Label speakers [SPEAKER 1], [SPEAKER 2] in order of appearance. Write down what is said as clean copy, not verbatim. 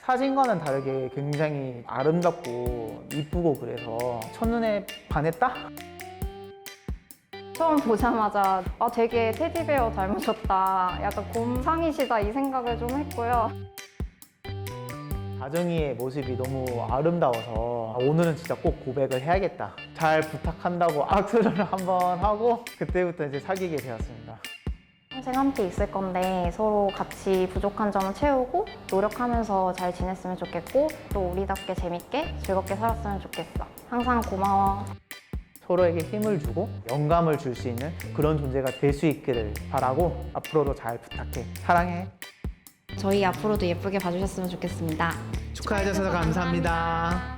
[SPEAKER 1] 사진과는 다르게 굉장히 아름답고 이쁘고 그래서 첫눈에 반했다?
[SPEAKER 2] 처음 보자마자 되게 테디베어 닮으셨다, 약간 곰상이시다 이 생각을 좀 했고요.
[SPEAKER 1] 다정이의 모습이 너무 아름다워서 오늘은 진짜 꼭 고백을 해야겠다. 잘 부탁한다고 악수를 한번 하고 그때부터 이제 사귀게 되었습니다.
[SPEAKER 2] 평생 함께 있을 건데 서로 같이 부족한 점을 채우고 노력하면서 잘 지냈으면 좋겠고 또 우리답게 재밌게 즐겁게 살았으면 좋겠어. 항상 고마워.
[SPEAKER 1] 서로에게 힘을 주고 영감을 줄 수 있는 그런 존재가 될 수 있기를 바라고 앞으로도 잘 부탁해. 사랑해.
[SPEAKER 2] 저희 앞으로도 예쁘게 봐주셨으면 좋겠습니다.
[SPEAKER 1] 축하해 주셔서 감사합니다.